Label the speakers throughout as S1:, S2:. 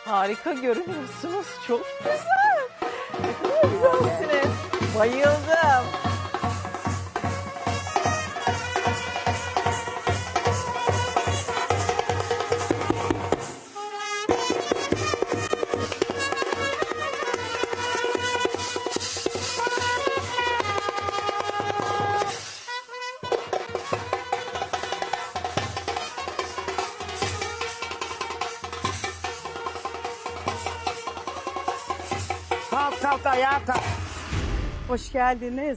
S1: Harika görünüyorsunuz. Çok güzel. Ne kadar güzelsiniz. Bayıldım.
S2: Kalk ayağa kalk.
S3: Hoş geldiniz.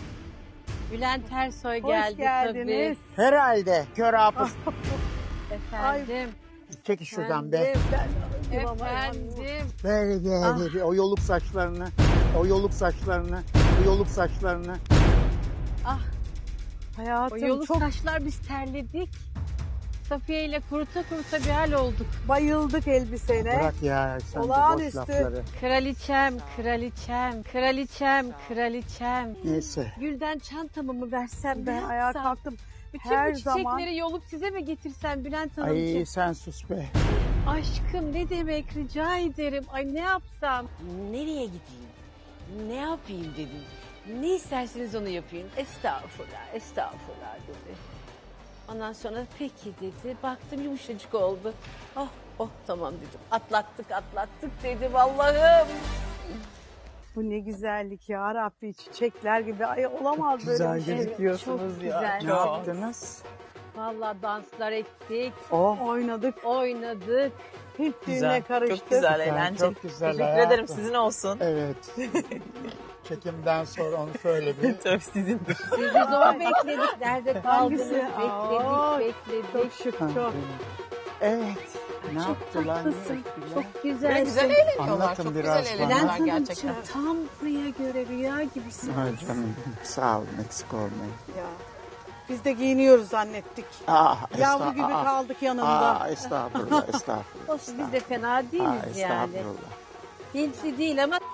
S4: Bülent Ersoy
S3: Hoş
S4: geldi
S3: geldiniz.
S2: Herhalde kör hafız.
S4: tabii. Efendim.
S2: Çek şuradan be.
S4: Efendim.
S2: Böyle o yoluk saçlarını, o yoluk saçlarını, o yoluk saçlarını.
S4: O
S3: Hayatım
S4: yolu
S3: çok
S4: saçlar biz terledik. Safiye ile kuruta kuruta bir hal olduk.
S3: bayıldık elbisene.
S2: Bırak ya sen de boş
S3: Olağanüstü.
S2: lafları.
S4: Kraliçem, kraliçem, kraliçem, kraliçem.
S2: Neyse.
S4: Gülden çantamı mı versem
S3: Ben
S4: ne
S3: ayağa
S4: yapsam?
S3: kalktım.
S4: Bütün
S3: Her
S4: bu çiçekleri
S3: zaman
S4: yolup size mi getirsem Bülent
S2: Ay
S4: Hanımcığım?
S2: sen sus be.
S4: Aşkım ne demek rica ederim. Ay ne yapsam?
S5: Nereye gideyim? Ne yapayım dedim. Ne isterseniz onu yapayım. Estağfurullah, estağfurullah dedi. Ondan sonra peki dedi. Baktım yumuşacık oldu. Oh, oh tamam dedim. Atlattık dedim Allah'ım.
S3: bu ne güzellik ya Rabbi, çiçekler gibi. Ay olamaz böyle
S2: Güzel
S3: bir şey.
S1: gözüküyorsunuz
S4: Çok
S1: ya.
S4: güzel.
S2: Ne yaptınız?
S4: Vallahi danslar ettik,
S2: Oh.
S3: Oynadık.
S4: oynadık.
S3: Hint düğüne
S1: Güzel.
S3: karıştık.
S1: Çok güzel,
S2: Güzel,
S1: eğlenceli.
S2: çok güzel
S1: Teşekkür
S2: hayatım.
S1: ederim. Sizin olsun.
S2: Evet. Çekimden sonra onu söyle bir.
S1: Tabii sizindir.
S4: Sizi zor bekledik. Nerede kaldınız?
S3: Hangisi? Aa,
S4: Bekledik.
S3: Çok şık çok.
S2: Evet. Ne
S4: Çok
S2: yaptılar? ne
S4: tatlısın.
S2: ettiler?
S4: Çok
S1: Böyle
S4: güzelsin.
S1: güzel eğleniyorlar.
S2: Anlatın
S1: Çok
S2: biraz
S1: güzel
S2: bana.
S1: eğleniyorlar
S4: Bülent
S1: gerçekten.
S4: Hanımcığım tam buraya göre rüya gibisin.
S2: Ay canım sağ olun eksik olmayın.
S3: Ya. Biz de giyiniyoruz zannettik. Yavru gibi kaldık yanında.
S2: Estağfurullah, estağfurullah.
S4: Olsun biz de fena değiliz yani.
S2: Estağfurullah.
S4: Hintli değil ama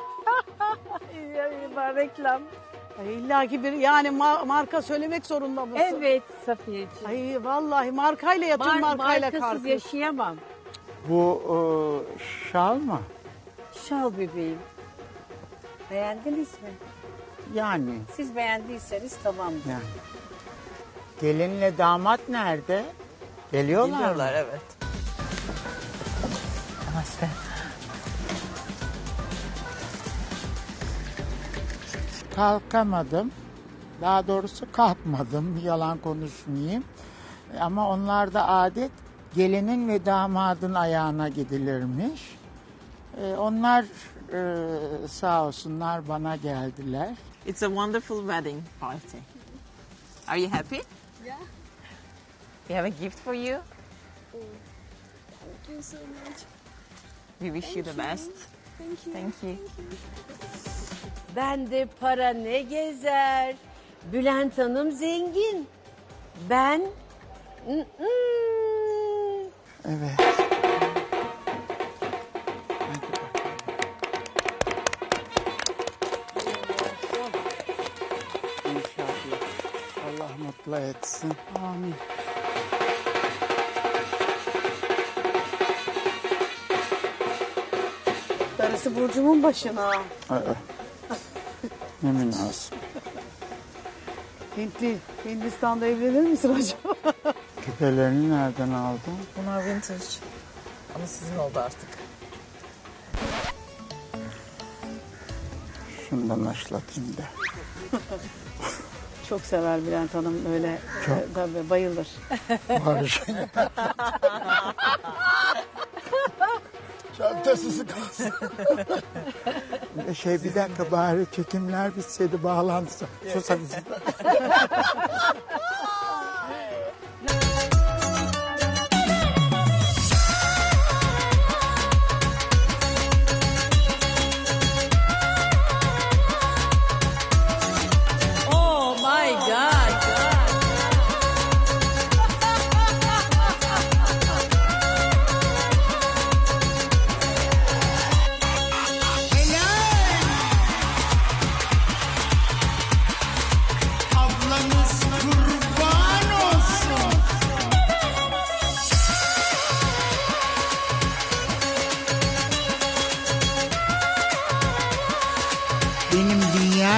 S3: Ya, reklam. Ay, illa ki bir yani marka söylemek zorunda mısın?
S4: evet Safiyeciğim.
S3: Ay vallahi markayla yatın markayla
S4: Markasız
S3: kalkın.
S4: yaşayamam.
S2: Bu şal mı?
S4: Şal bebeğim. Beğendiniz mi?
S2: Yani.
S4: Siz beğendiyseniz tamamdır.
S2: Yani. Gelinle damat nerede? Geliyorlar
S1: Geliyorlar
S2: mı?
S1: evet. Namaste.
S2: Kalkamadım. Daha doğrusu kalkmadım. Yalan konuşmayayım. Ama onlarda adet gelinin ve damadın ayağına gidilirmiş. Onlar sağ olsunlar bana geldiler.
S1: It's a wonderful wedding party. Are you happy?
S6: Yeah.
S1: We have a gift for you.
S6: Thank you so much.
S1: We wish you the best.
S6: Thank you.
S1: Thank you.
S4: Bende para ne gezer? Bülent Hanım zengin. Ben...
S2: Evet. İnşallah. Allah mutlu etsin.
S3: Amin. Darısı Burcu'mun başına.
S2: Aa, ne münasip.
S3: Hintli, Hindistan'da evlenir misin acaba?
S2: Küpelerini nereden aldın?
S1: Bunlar vintage. Ama sizin oldu artık.
S2: Şundan aşlatayım da.
S3: Çok sever Bülent Hanım öyle.
S2: Çok.
S3: Tabii bayılır.
S2: Barış. Çantasız kalsın. Bir dakika bari çekimler bitseydi bağlansa. Sus hadi.
S4: Oh my God.
S7: Ablanız kurban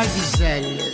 S6: güzeller güzelleri.